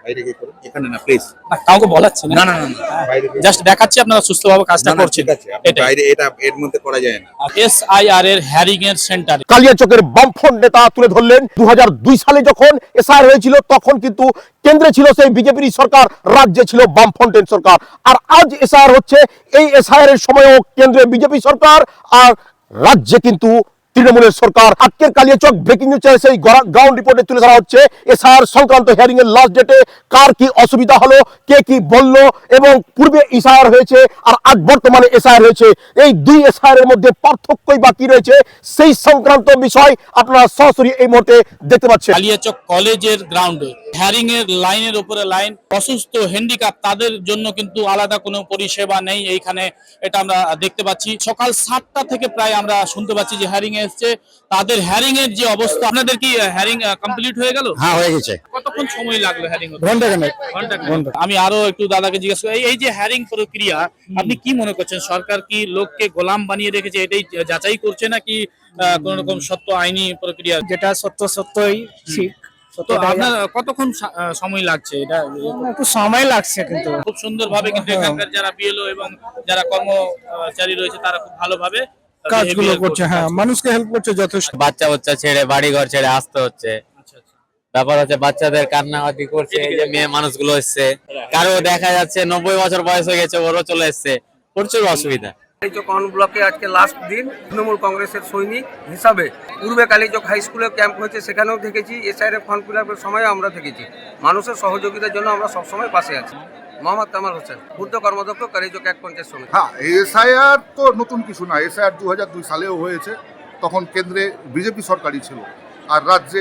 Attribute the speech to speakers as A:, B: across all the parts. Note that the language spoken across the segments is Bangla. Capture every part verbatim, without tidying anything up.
A: বাইরে গিয়ে করুন, এখানে না প্লিজ।
B: না, কাউকে বলাচ্ছি না,
A: না না না না, বাইরে গিয়ে
B: জাস্ট দেখাচ্ছি আপনারা সুস্থভাবে কাজটা
A: না, না,
B: করছেন।
A: ঠিক আছে, আপনি
B: এটাই
A: বাইরে, এটা এর মধ্যে করা যায় না।
B: এসআইআর এর হ্যারিং এর সেন্টার
C: কালিয়াচকের বামফ্রন্ট নেতা তুলে ধরলেন দু হাজার দুই সালে যখন এসআইআর হয়েছিল তখন কিন্তু কেন্দ্রে ছিল সেই বিজেপির সরকার, রাজ্যে ছিল বামফ্রন্টের সরকার। আর আজ এসআইআর হচ্ছে, এই এসআইআর এর সময়ও কেন্দ্রে বিজেপি সরকার আর রাজ্যে কিন্তু তৃণমূলের সরকার। আজকের কালিয়াচক ব্রেকিং নিউজ চ্যানেল সেই গ্রাউন্ড রিপোর্টে তুলে ধরা হচ্ছে এসআইআর সংক্রান্ত হিয়ারিং এর লাস্ট ডেটে কার কি অসুবিধা হলো, কে কি বলল, এবং পূর্বে এসআইআর হয়েছে আর আজ বর্তমানে এসআইআর হয়েছে, এই দুই এসআইআর এর মধ্যে পার্থক্যই বাকি রয়েছে, সেই সংক্রান্ত বিষয় আপনারা সরাসরি এই মুহূর্তে দেখতে পাচ্ছেন।
B: কালিয়াচক কলেজের গ্রাউন্ডে হ্যারিং এর লাইনের উপরে লাইন, অসুস্থ হ্যান্ডিক্যাপ তাদের জন্য কিন্তু আলাদা কোনো পরিষেবা নেই এইখানে, এটা আমরা দেখতে পাচ্ছি। সকাল সাতটা থেকে প্রায় আমরা শুনতে পাচ্ছি যে হ্যারিং এসছে, তাদের হ্যারিং এর যে অবস্থা। আপনাদের কি হ্যারিং কমপ্লিট হয়ে গেল?
D: হ্যাঁ, হয়ে গেছে।
B: কতক্ষণ সময় লাগলো হ্যারিং হতে?
D: ঘন্টা খানেক।
B: ঘন্টা। আমি আরো একটু দাদাকে জিজ্ঞেস করি, এই যে হ্যারিং প্রক্রিয়া আপনি কি মনে করছেন, সরকার কি লোককে গোলাম বানিয়ে রেখেছে, এটাই যাচাই করছে নাকি কোন রকম সত্য আইনি প্রক্রিয়া?
D: যেটা সত্য সত্যই ঠিক।
B: তো আপনার কতক্ষণ সময় লাগছে? এটা
D: একটু সময় লাগছে, কিন্তু
B: খুব সুন্দরভাবে কিন্তু এখানকার যারা বিএলও এবং যারা কর্মচারী রয়েছে তারা খুব ভালোভাবে
D: কাজগুলো করছে। হ্যাঁ, মানুষকে হেল্প করছে যথেষ্ট।
E: বাচ্চা বাচ্চা ছেড়ে বাড়ি ঘর ছেড়ে আসতে হচ্ছে। ব্যাপার হচ্ছে বাচ্চাদের কান্নাকাটি করছে, এই যে মেয়ে মানুষগুলো এসছে, কারো দেখা যাচ্ছে নব্বই বছর বয়স হয়ে গেছে, ওরও চলে এসছে, প্রচুর অসুবিধা।
F: কালীচক ব্লকে আজকে লাস্ট দিন। তৃণমূল কংগ্রেসের সৈনিক হিসাবে পূর্বে কালীচক হাই স্কুলে ক্যাম্প হয়েছে, সেখানেও থেকেছি। এসআইআর ফর্ম ফিল আপের সময়ও আমরা থেকেছি। মানুষের সহযোগিতার জন্য আমরা সবসময় পাশে আছি। মোহাম্মদ কামাল হোসেন, পূর্ত কর্মদক্ষ, কালীচক এক পঞ্চায়েত সমিতি।
G: হ্যাঁ, এসআইআর তো নতুন কিছু না। এসআইআর দু হাজার দুই সালেও হয়েছে, তখন কেন্দ্রে বিজেপি সরকারই ছিল আর রাজ্যে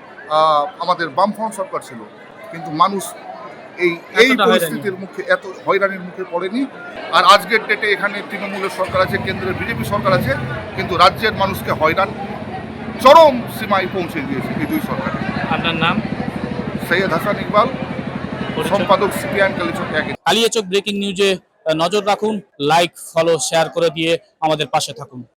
G: আমাদের বামফ্রন্ট সরকার ছিল, কিন্তু মানুষ এই এই পরিস্থিতির মুখে, এত হয়রানির মুখে পড়েনি। আর আজকের ডেটে এখানে তৃণমূলের সরকার আছে, কেন্দ্রের বিজেপি সরকার আছে, কিন্তু রাজ্যের মানুষকে হয়রান চরম সীমায় পৌঁছে দিয়েছে এই দুই সরকার।
B: আপনার নাম?
G: সৈয়দ হাসান ইকবাল, সম্পাদক সিপিআইএম কালীচক এক।
B: কালিয়াচক ব্রেকিং নিউজে নজর রাখুন, লাইক, ফলো, শেয়ার করে দিয়ে আমাদের পাশে থাকুন।